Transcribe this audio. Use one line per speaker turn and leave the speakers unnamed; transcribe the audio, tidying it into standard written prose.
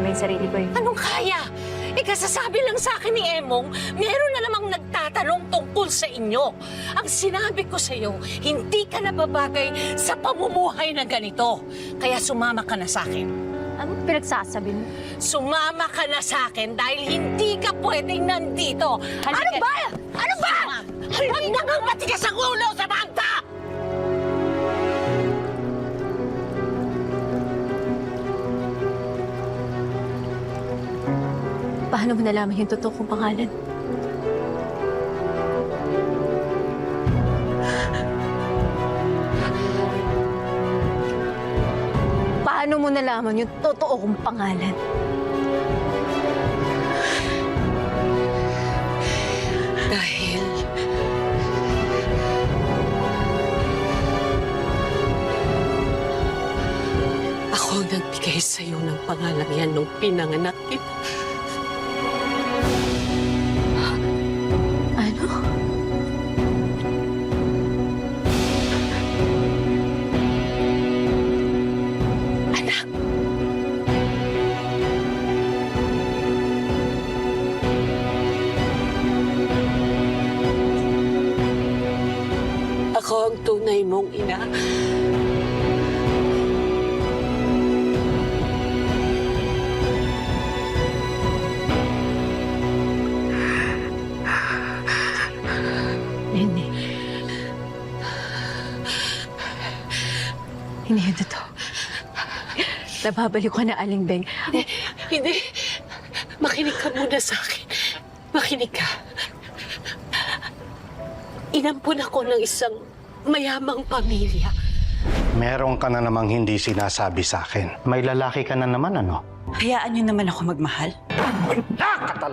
naman yung sarili ko eh.
Anong kaya? Kasasabi lang sa akin ni Emong, meron na namang nagtatanong tungkol sa inyo. Ang sinabi ko sa iyo, hindi ka nababagay sa pamumuhay na ganito. Kaya sumama ka na sa akin.
Anong pinagsasabi mo?
Sumama ka na sa akin dahil hindi ka pwedeng nandito. Ano ba? Ano ba? Huwag na kang matigas ang ulo, Samantha!
Paano mo nalaman yung totoo kong pangalan? Paano mo nalaman yung totoo kong pangalan?
Dahil... ako ang nagbigay sa'yo ng pangalan yan nung pinanganak kita.
Ano?
Anak! Ako ang tunay mong ina.
Hindi. Hindi yun totoo. Nababalik ko na, Aling Beng.
Hindi. Makinig ka muna sa akin. Makinig ka. Inampun ako ng isang mayamang pamilya.
Meron ka na namang hindi sinasabi sa akin. May lalaki ka na naman, ano?
Hayaan niyo naman ako magmahal.